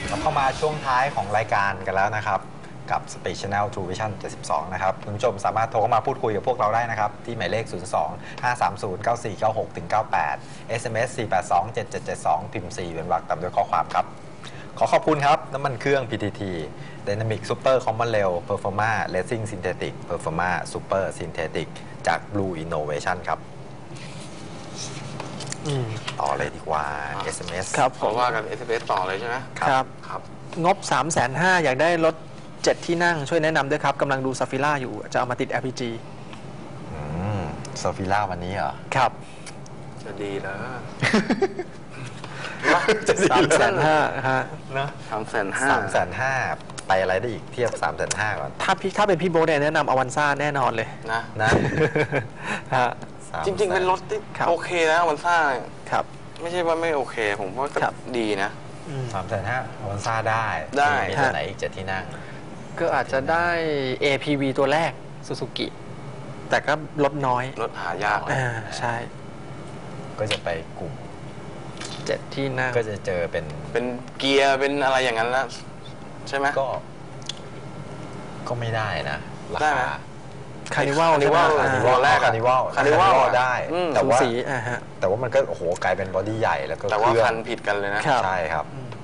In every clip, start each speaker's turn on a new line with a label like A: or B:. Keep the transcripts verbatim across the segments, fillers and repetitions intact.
A: เราเข้ามาช่วงท้ายของรายการกันแล้วนะครับกับ Speed Channel True Vision เจ็ดสิบสองนะครับคุณผู้ชมสามารถโทรเข้ามาพูดคุยกับพวกเราได้นะครับที่หมายเลข ศูนย์ สอง ห้า สาม ศูนย์ เก้า สี่ เก้า หก เก้า แปด เอส เอ็ม เอส สี่ แปด สอง เจ็ด เจ็ด เจ็ด สอง พิมพ์ สี่ เป็นวรรคตามด้วยข้อความครับขอขอบคุณครับน้ำมันเครื่อง พี ที ที Dynamic Super Common Rail Performa Racing Synthetic Performa Super Synthetic จาก Blue Innovation ครับต่อเลยดีกว่า เอส เอ็ม เอส
B: ครับผ
C: เพราะ
B: ม
C: ว่ากัน เอส เอ็ม เอส ต่อเลยใช่ไหม
B: ครับ
C: ครับ
B: งบ สามแสนห้าหมื่น อยากได้รถเจ็ดที่นั่งช่วยแนะนำด้วยครับกำลังดูซาฟิล่าอยู่จะเอามาติด แอล พี จี
A: อืมโซฟิล่าวันนี้เหรอ
B: ครับ
C: จะดีเหรอ
B: สามแสนห้าฮะ
A: นะ
C: สามแสนห้า
A: สามแสนห้าไปอะไรได้อีกเทียบสามแสนห้าก่อน
B: ถ้าพี่ถ้าเป็นพี่โบ๊ทเนี่ยแนะนำอวันซ่าแน่นอนเลย
C: นะ
A: นะ
B: ฮะ
C: จริง ๆ เป็นรถที่
B: ครับ
C: โอเคนะวันซ่า
B: ครับ
C: ไม่ใช่ว่าไม่โอเค ผมว่าก็
B: ครับ
C: ดีนะ
B: อืม
A: สามแสนห้าวันซ่าได้
C: ได้
A: มีตัวไหนอีกเจ็ดที่นั่ง
B: ก็อาจจะได้ เอ พี วี ตัวแรกซูซูกิแต่ก็ลดน้อย
C: รถหายากนะ
B: อ่าใช่
A: ก็จะไปกลุ่ม
B: เจ็ดที่นั่ง
A: ก็จะเจอเป็น
C: เป็นเกียร์เป็นอะไรอย่างนั้นแล้วใช่ไหม
A: ก็ ก็ไม่ได้นะรา
C: ได้ไหม
A: คา
B: คานิวัล
C: คานิวัล
B: ใช่ไหม
A: คานิวัล
C: แรกอะ
A: คานิวัล
C: คานิวัล
A: ได้
C: อืม
A: แต่ว่า
B: สูสีอ่าฮะ
A: แต่ว่ามันก็โอ้โหกลายเป็นบอดี้ใหญ่แล้วก็
C: แต่
A: เค
C: ว่า
A: รื่อ
C: คั
A: ง
C: นผิดกันเลยนะ
B: ครับ
A: ใช่ครับ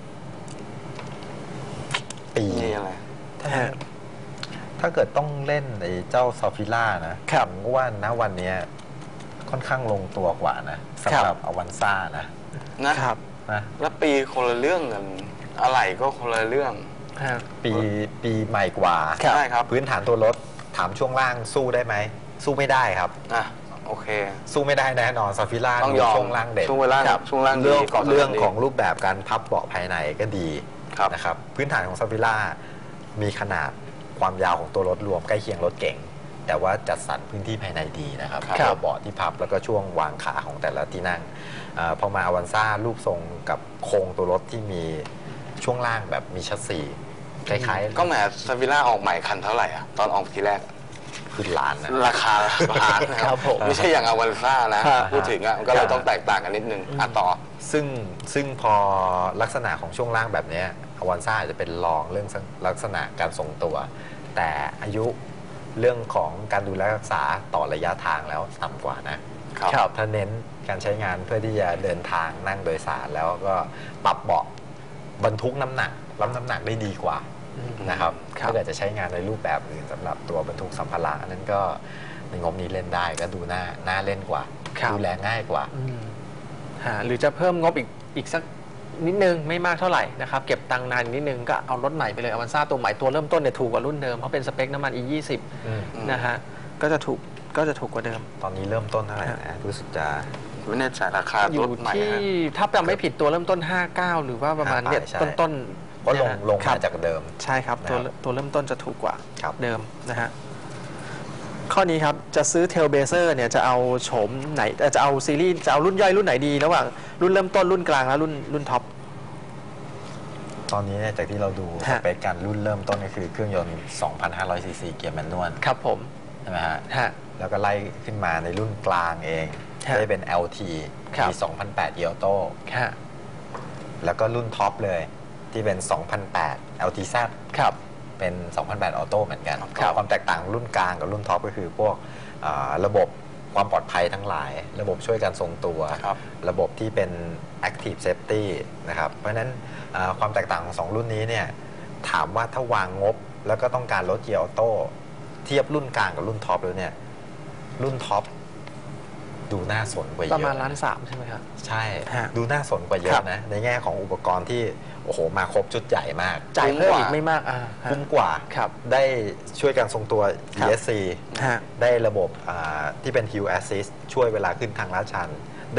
A: ปี
C: นี่อะไร
B: ฮะ
A: ถ้าเกิดต้องเล่นไอ้เจ้าซอฟิล่านะครับ ผมก็ว่าณวันเนี้ยค่อนข้างลงตัวกว่านะสำหรับอวันซ่านะ
C: นะครับ
A: นะ
C: แล้วปีคนละเรื่องกัน อะไรก็คนละเรื่อง
B: ฮะ
A: ปีปีใหม่กว่า
B: ครับ
C: ใช่ครับ
A: พื้นฐานตัวรถถามช่วงล่างสู้ได้ไหม สู้ไม่ได้ครับ
C: อ่ะโอเค
A: สู้ไม่ได้แน่นอนซาฟิล่า
C: ต้องยอม
A: ช่วงล่างเด่น
C: ช่วงล่าง
A: ครับ
C: ช่วงล่างดี
A: เรื่อง
C: เกาะถนน
A: เรื่อง
C: ดี
A: ของรูปแบบการพับเบาะภายในก็ดี
C: ครับ
A: นะครับพื้นฐานของซาฟิล่ามีขนาดความยาวของตัวรถรวมใกล้เคียงรถเก๋งแต่ว่าจัดสรรพื้นที่ภายในดีนะครับ
C: ครับ
A: ตัวเบาะที่พับแล้วก็ช่วงวางขาของแต่ละที่นั่งเออพอมาอวันซ่ารูปทรงกับโครงตัวรถที่มีช่วงล่างแบบมีชัสซีคล้ายๆ
C: ก็แหมซาวิล่าออกใหม่คันเท่าไหร่อ่ะ ตอนออกทีแรก
A: ขึ้นล้านนะ
C: ราคาล้านนะค
B: ครั
C: รับบ
B: ผม
C: ไม่ใช่อย่างอวันซ่านะ
B: ครับ
C: พูดถึงอ่ะมันก็เลยต้องแตกต่างกันนิดนึงอ่ะต่อ
A: ซึ่งซึ่งพอลักษณะของช่วงล่างแบบนี้อวันซ่าอาจจะเป็นรองเรื่องลักษณะการทรงตัว แต่อายุเรื่องของการดูแลรักษาต่อระยะทางแล้วต่ำกว่านะครับ
B: ครับ
A: ถ้าเน้นการใช้งานเพื่อที่จะเดินทางนั่งโดยสารแล้วก็ปรับเบาะบรรทุกน้ำหนักรับน้ำหนักได้ดีกว่านะครับ
B: ครับ
A: ถ้าเกิดจะใช้งานในรูปแบบอื่นสำหรับตัวบรรทุกสัมภาระนั้นก็ในงบนี้เล่นได้ก็ดูน่าน่าเล่นกว่า
B: ครับ
A: ดูแลง่ายกว่า
B: อืมฮะหรือจะเพิ่มงบอีกอีกสักนิดนึงไม่มากเท่าไหร่นะครับเก็บตังค์นานนิดนึงก็เอารถใหม่ไปเลยอวันซ่าตัวใหม่ตัวเริ่มต้นเนี่ยถูกกว่ารุ่นเดิมเพราะเป็นสเปคน้ำมัน อี ยี่สิบ
A: อืม
B: นะฮะก็จะถูกก็จะถูกกว่าเดิม
A: ตอนนี้เริ่มต้นเท่าไหร่นะรู้สึกจะ
C: ไม่แน่ใจราคา
B: อยู่
C: รถใหม่
B: ที่
C: ฮะ
B: ถ้าจำไม่ผิดตัวเริ่มต้น ห้าสิบเก้า หรือว่าประมาณเนี่ย
A: ใช่
B: ต้นต้น
A: เพราะลงลง
B: ครั
A: มา
B: บ
A: จากเดิม
B: ใช่ครับตัว
A: นะครับ
B: ตัวเริ่มต้นจะถูกกว่า
A: ครับ
B: เดิมนะฮะข้อนี้ครับจะซื้อเทลเบเซอร์เนี่ยจะเอาโฉมไหนเอ่อจะเอาซีรีส์จะเอารุ่นย่อยรุ่นไหนดีระหว่างรุ่นเริ่มต้นรุ่นกลางและรุ่นรุ่นท็อป
A: ตอนนี้เนี่ยจากที่เราดูส
B: ฮะ
A: เปคการรุ่นเริ่มต้นก็คือเครื่องยนต์ สองพันห้าร้อย ซี ซี เกียร์แมนนวล
B: ครับผม
A: ใช่ไหมฮะ
B: ฮะ
A: แล้วก็ไล่ขึ้นมาในรุ่นกลางเอง
B: ฮะ
A: ได้เป็น แอล ที
B: ครับ
A: มี สองพันแปด เกียร์ออโต้
B: ฮะ
A: แล้วก็รุ่นท็อปเลยที่เป็น สองพันแปด แอล ที แซด
B: ครับ
A: เป็น สองพันแปด ออโต้เหมือนกัน
B: ครับ
A: ความแตกต่างรุ่นกลางกับรุ่นท็อปก็คือพวกอ่าระบบความปลอดภัยทั้งหลาย ระบบช่วยการทรงตัว
C: ครับ
A: ระบบที่เป็น Active Safety นะครับ เพราะฉะนั้นอ่าความแตกต่างของสองรุ่นนี้เนี่ยถามว่าถ้าวางงบแล้วก็ต้องการรถเกียร์ออโต้เทียบรุ่นกลางกับรุ่นท็อปแล้วเนี่ยรุ่นท็อปดูน่าสนกว่าเย
B: ป
A: อะ
B: ระมาณล้านสามใช่ไหมครับ
A: ใช่
B: ฮะ
A: ดูน่าสนกว่าเย
B: ครั
A: อะ
B: บ
A: นะในแง่ของอุปกรณ์ที่โอ้โหมาครบชุดใหญ่มาก
B: จ่ายเพิ่ม
C: คุ้มกว่า
B: อีกไม่มากอ่าฮะ
A: คุ้มกว่า
B: ครับ
A: ได้ช่วยการทรงตัว อี
B: ครับ
A: เอส ซี
B: ฮะ
A: ได้ระบบอ่าที่เป็น Hill Assist ช่วยเวลาขึ้นทางลาดชัน ได้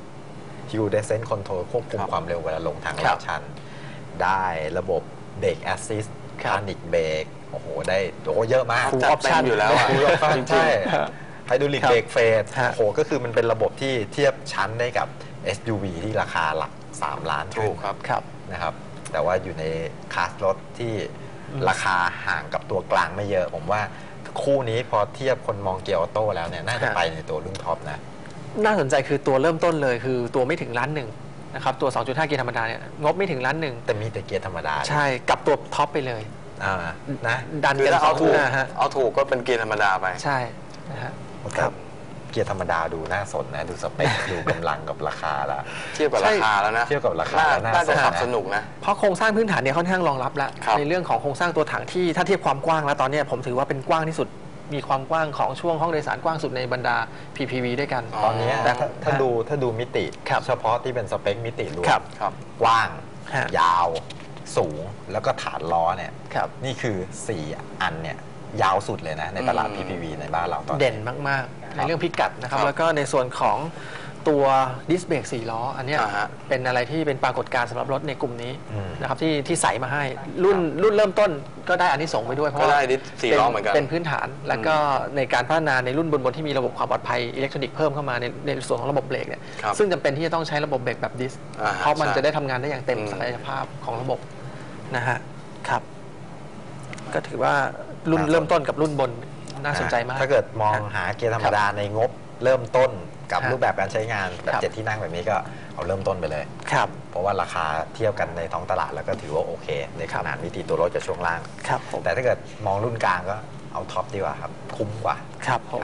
A: Hill Descent Control ควบคุม
C: ครับ
A: ความเร็วเวลาลงทาง
B: ครั
A: ลา
B: บ
A: ดชัน ได้ระบบ Brake Assist
B: ครับ
A: Panic Brake โอ้โห ได้โอ้เยอะมาก
B: Full
C: จัด
B: option
C: เต็มอยู่แล้วอ่ะ
A: Full option
C: จริง
A: ใช่
B: ฮะ
A: ไฮดรอลิก
B: ครับ
A: เบรกเฟส
B: ฮะ
A: โอ้โห ก็คือมันเป็นระบบที่เทียบชั้นได้กับ เอส ยู วี ที่ราคาหลัก สาม ล้าน
C: ๆถูกครับ
B: ครับ
A: นะครับ แต่ว่าอยู่ในคลาสรถที่
B: อืม
A: ราคาห่างกับตัวกลางไม่เยอะ ผมว่าคู่นี้พอเทียบคนมองเกียร์ออโต้แล้วเนี่ยน่าจะไปในตัวรุ่นท็อปนะ
B: น่าสนใจคือตัวเริ่มต้นเลยคือตัวไม่ถึงล้านหนึ่งนะครับตัว สองจุดห้า เกียร์ธรรมดาเนี่ยงบไม่ถึงล้านหนึ่ง
A: แต่มีแต่เกียร์ธรรมดา
B: ใช่กับตัวท็อปไปเลย
A: อ่านะ
B: ดัน
C: คือ
B: กัน
C: ถ้า
B: สอ
C: เอา
B: ง
C: ถูก
B: หน้าฮะ
C: เอาถูกก็เป็นเกียร์ธรรมดาไป
B: ใช่นะฮะ
A: แต่เกียร์ธรรมดาดูน่าสนนะดูสเปค ดูกำลังกับราคาละ
C: เทียบกับราคาแล้วนะ
A: เทียบกับราคา
C: น่
A: แล้วน่า
C: น่าจะ
A: สน
C: ขับ
A: นะ
C: สนุกนะ
B: เพราะโครงสร้างพื้นฐานเนี่ยค่อนข้างรองรับแล้ว
C: ครับ
B: ในเรื่องของโครงสร้างตัวถังที่ถ้าเทียบความกว้างแล้วตอนเนี้ยผมถือว่าเป็นกว้างที่สุดมีความกว้างของช่วงห้องโดยสารกว้างสุดในบรรดา พี พี วี ด้วยกัน
A: ตอนเนี้ย
B: แต่
A: ถ้าถ้าดูถ้าดูมิติ
B: ครับ
A: เฉพาะที่เป็นสเปคมิติรวม
B: ครับ
C: ครับ
A: กว้าง
B: ฮะ
A: ยาว สูงแล้วก็ฐานล้อเนี่ย
B: ครับ
A: นี่คือ สี่ อันเนี่ยยาวสุดเลยนะ ในตลาด
C: อืม
A: พี พี วี ในบ้านเราตอนนี้
B: เด่นมากๆ ในเรื่องพิกัดนะครับ
C: ครับ
B: แล้วก็ในส่วนของตัวดิสเบรกสี่ล้อ อันเนี้ย
C: อ่าฮะ
B: เป็นอะไรที่เป็นปรากฏการณ์สำหรับรถในกลุ่มนี้
A: อืม
B: นะครับที่ที่ใส่มาให้รุ่นรุ่นเริ่มต้นก็ได้อันนี้ส่งส์ไปด้วยเพราะ
C: ก็
B: ว่า
C: ได้ดิสสี่ล้อเหมือนกัน
B: เป็นพื้นฐาน แล้วก็ในการพัฒนาในรุ่นบนๆที่มีระบบความปลอดภัยอิเล็กทรอนิกส์เพิ่มเข้ามาในในส่วนของระบบเบรกเนี่ย
C: ครับ
B: ซึ่งจำเป็นที่จะต้องใช้ระบบเบรกแบบดิส
C: อ่าฮะ
B: เพราะมัน
C: ใช่
B: จะได้ทำงานได้อย่างเต็ม
C: อืม
B: ศักยภาพของระบบนะฮะครับก็ถือว่ารุ่น
A: น่าสน
B: เริ่มต้นกับรุ่นบนน่าสนใจมาก
A: ถ้าเกิดมองหาเกียร์ธรรมดาในงบเริ่มต้นกับ
B: ครับ
A: รูปแบบการใช้งานแบบ
B: ครับ
A: เจ็ดที่นั่งแบบนี้ก็เอาเริ่มต้นไปเลย
B: ครับ
A: เพราะว่าราคาเทียบกันในท้องตลาดแล้วก็ถือว่าโอเค ในขนาดมิติตัวรถกับช่วงล่าง
B: ครับผม
A: แต่ถ้าเกิดมองรุ่นกลางก็เอาท็อปดีกว่าครับ คุ้มกว่า
B: ครับผม
A: ครับ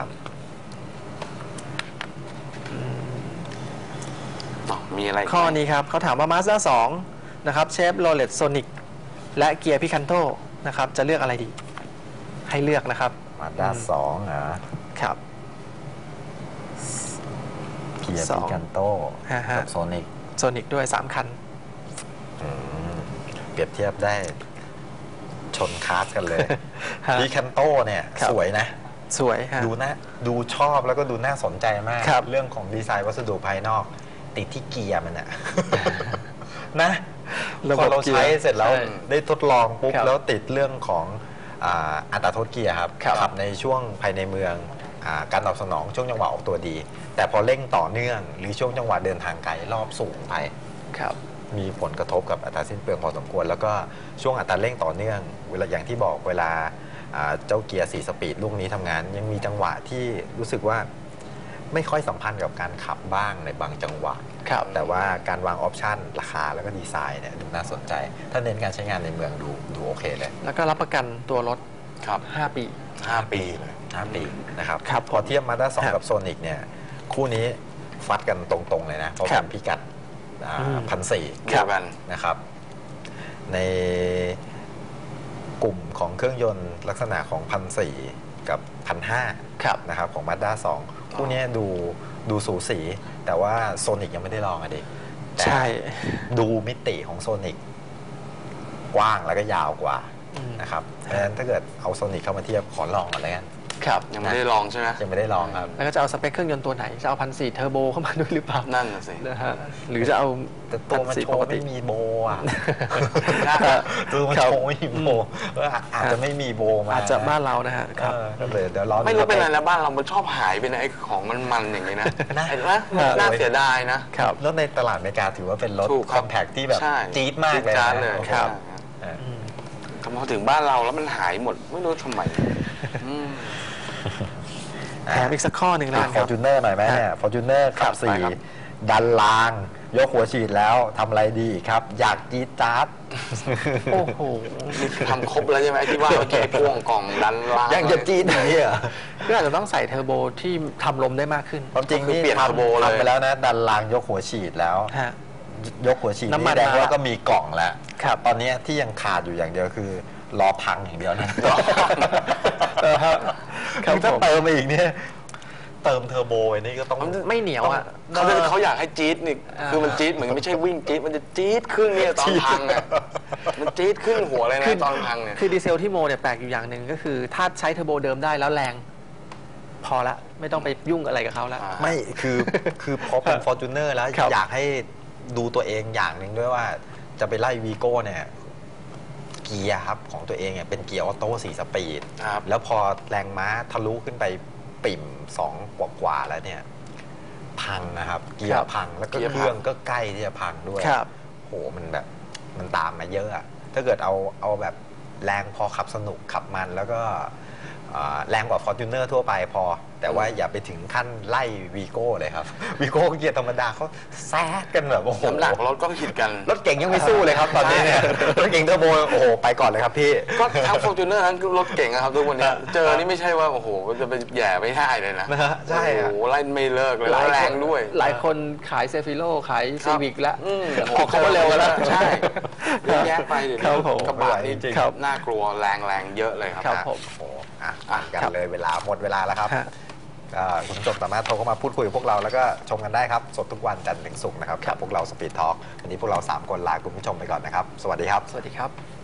C: อ๋อมีอะไรกไหม
B: ข้อนี้ครับเขาถามว่า Mazda สองนะครับเชฟโรเลตโซนิกและเกียร์พิคันโตนะครับจะเลือกอะไรดี ให้เลือกนะครับ
A: มาด้าสองอ่ะ
B: ครับ
A: เกียร์
B: สอ
A: พิ
B: ง
A: กันโต
B: ฮะฮะ
A: กับโซนิก
B: โซนิกด้วย สาม คัน
A: เปรียบเทียบได้ชนคลาสกันเลย
B: ฮะ
A: พิกันโตเนี่ย
B: ครับ
A: สวยนะ
B: สวยฮะ
A: ดูนะดูชอบแล้วก็ดูน่าสนใจมาก
B: ครับ
A: เรื่องของดีไซน์วัสดุภายนอก ติดที่เกียร์มันอะ นะ
B: ระ
A: พ
B: บ
A: อบ เราใช้
B: เกียร์
A: เสร็จแล้ว
B: ใช่
A: ได้ทดลองปุ๊บ
B: ครับ
A: แล้วติดเรื่องของอ่าอัตราโทษเกียร์ครับ
B: ครับ
A: ขับในช่วงภายในเมืองอาการตอบสนองช่วงจังหวะออกตัวดี แต่พอเร่งต่อเนื่อง หรือช่วงจังหวะเดินทางไกลรอบสูงไป
B: ครับ
A: มีผลกระทบกับอัตราสิ้นเปลืองพอสมควร แล้วก็ช่วงอัตราเร่งต่อเนื่องเวลาอย่างที่บอกเวลาอ่าเจ้าเกียร์สี่สปีดลูกนี้ทำงาน ยังมีจังหวะที่รู้สึกว่าไม่ค่อยสัมพันธ์กับการขับบ้างในบางจังหวะ
B: ครับ
A: แต่ว่าการวางออปชันราคาแล้วก็ดีไซน์เนี่ยดูน่าสนใจ ถ้าเน้นการใช้งานในเมืองดูดูโอเคเลย
B: แล้วก็รับประกันตัวรถ
C: ครับ
B: ห้า ปี
C: ห้าปีเลย
A: ห้าปีนะครับ
B: ครับ
A: พอเทียบมาด้าสอง
B: ครับ
A: กับโซนิกเนี่ยคู่นี้ฟัดกันตรงๆเลยนะ เพราะ
B: ครั
A: เป็
B: บ
A: นพิกัด
B: อืม
A: พันสี่
C: เดียวกัน
A: นะครับ ในกลุ่มของเครื่องยนต์ลักษณะของพันสี่กับพันห้า
B: ครับ
A: นะครับของมาด้าสองคู่นี้ดูดูสูสี แต่ว่าโซนิกยังไม่ได้ลองอะดิแต่
B: ใช่
A: ดูมิติของโซนิกกว้างแล้วก็ยาวกว่า
B: อืม
A: นะครับเพราะฉะนั้นถ้าเกิดเอาโซนิกเข้ามาเทียบขอลองก่อนเลยกัน
B: ครับ
C: ยังไม่ได้ลองใช่ไหม
A: ยังไม่ได้ลองครับ
B: แล้วก็จะเอาสเปคเครื่องยนต์ตัวไหน จะเอาพันสี่เทอร์โบเข้ามาด้วยหรือเปล่า
C: นั่นน่ะสิ
B: นะฮะหรือจะเอา
A: แต่ตัวมัน
B: พันสี่
A: โช
B: ป
A: ว์
B: กติ
A: ไม่มีโบอ่ะ
C: ครับ
A: ตัวมัน
B: ครับ
A: โชว์ไม่มีโบเอออาจจะไม่มีโบมา
B: อาจจะบ้านเรานะฮะครับ
A: เออก็เลยเดี๋ยวรอดู
C: ไม่รู้เป็นอะไร
A: สปค
C: แล้วบ้านเรามันชอบหายไปนะไอ้ของมันๆอย่างนี้นะ
A: นะ
C: เห็นไหมมัน
A: ครับ
C: น่าเสียดายนะ
B: ครับ
A: แล้วในตลาดอเมริกาถือว่าเป็นรถ
C: ถูก
A: ค
C: ครั
A: อบ มแพคที่แบบ
C: ใช่
A: จี๊ดมากเลย
C: จี๊ดจ๊าด
A: นะ
C: เลย
A: โอ้โห
B: ครับ
A: เออ
B: อืม
C: แต่พอถึงบ้านเราแล้วมันหายหมดไม่รู้ทำไมอืม
B: แถมอีกสักข้อหนึ่งแล้วกัน
A: ฟ
B: ค
A: อ
B: รับ
A: ร์จูเนอร์หน่อยไหมเนี่ยฟอร์จูเนอร์
B: ครั
A: ขั
B: บบ
A: สี่
C: ไปครับ
A: ดันลาง ยกหัวฉีดแล้วทำอะไรดีอีกครับ อยากจี๊ดจ๊าด
B: โอ้โห
C: นี่ทำครบแล้วใช่ไหมไอ้ที่ว่าเมื่อกี้พ่วงกล่องดันล่าง
A: ยังจะจี๊ดไหนอ่ะ
B: ก็อาจจะต้องใส่เทอร์โบที่ทำลมได้มากขึ้น
A: ความจริงนี่
C: ก็คือเปลี่ยน
A: ท
C: เทอร์โบเลย
A: ำทำไปแล้วนะ ดันลางยกหัวฉีดแล้ว
B: ฮะ
A: ยกหัวฉีด
B: น้ำมัน
A: แดง
B: มา
A: ว่าก็มีกล่องแล้ว
B: ครับ
A: ตอนนี้ที่ยังขาดอยู่อย่างเดียวคือรอพังอย่างเดียวนะ
B: เออครับครับ
A: ถ้า
B: ผม
A: เติมมาอีกเนี่ยเติมเทอร์โบไอ้นี่ก็ต้อง
B: มันไม่เหนียวอ่ะ
C: เขาจะเขาอยากให้จี๊ดนี่
B: อ่า
C: คือมันจี๊ดเหมือนไม่ใช่วิ่งจี๊ดมันจะจี๊ดขึ้นเนี่ยตอนพังเนี่ยมันจี๊ดขึ้นหัวเลยนะตอนพังเนี่ย
B: คือดีเซลที่โมเนี่ยแปลกอยู่อย่างหนึ่งก็คือ ถ้าใช้เทอร์โบเดิมได้แล้วแรง พอละไม่ต้องไปยุ่งอะไรกับเขาแล้ว
C: อ่า
A: ไม่คือคือพอเป็นฟอร์จูเนอร์แล้ว
B: ครับ
A: อยากให้ดูตัวเองอย่างหนึ่งด้วยว่าจะไปไล่วีโก้เนี่ยเกียร์ครับของตัวเองเนี่ยเป็นเกียร์ออโต้สี่สปีด
C: ครับ
A: แล้วพอแรงม้าทะลุขึ้นไปปิ่มสองกว่าๆแล้วเนี่ย พังนะครับ เกีย
B: ครั
A: ร์
B: บ
A: พังแล้วก็
C: เกียร์
A: เค
C: พัง
A: รื่องก็ใกล้ที่จะพังด้วย
B: ครับ
A: โหมันแบบมันตามมาเยอะอะถ้าเกิดเอาเอาแบบแรงพอขับสนุกขับมันแล้วก็เอ่อแรงกว่า Fortuner ทั่วไปพอแต่ว่าอย่าไปถึงขั้นไล่วีโก้เลยครับ วีโก้เกียร์ธรรมดาเขาแซดกันแบบโอ้โห
C: น้ำหนักรถก็ผิดกัน
A: รถเก่งยังไม่สู้เลยครับตอนนี้เนี่ยรถเก่งเทอร์โบโอ้โหไปก่อนเลยครับพี่
C: ก็ทั้งฟอร์จูเนอร์ทั้งรถเก่งนะครับทุกวันนี้เจอนี่ไม่ใช่ว่าโอ้โหจะไปแย่ไม่ได้เลยนะ
A: นะฮะใช่
C: โอ้
A: อะ
C: โหไล่ไม่เลิกเลยแรงด้วย
B: หลายคนขายเซฟิโลขายซีวิกแล้ว
C: อืม
B: ออกเขามาเร็วกันแล้ว
C: ใช่เยอะแยะไปเดี๋ยว
B: ครับผม
C: กระบะนี่
A: จริง
B: ครับ
C: น่ากลัวแรงแรงเยอะเลยครับ
B: ครับผม
A: โอ้โหอ่ะอ่ะกัน
B: ครับ
A: เลยเวลาหมดเวลาแล้วครับ
B: ฮะ
A: ก็คุณผู้ชมสามารถโทรเข้ามาพูดคุยกับพวกเราแล้วก็ชมกันได้ครับ สดทุกวันจันทร์ถึงศุกร์นะครับกับพวกเราสปีดทอล์กวันนี้พวกเราสามคนลาคุณผู้ชมไปก่อนนะครับ สวัสดีครับ
B: สวัสดีครับ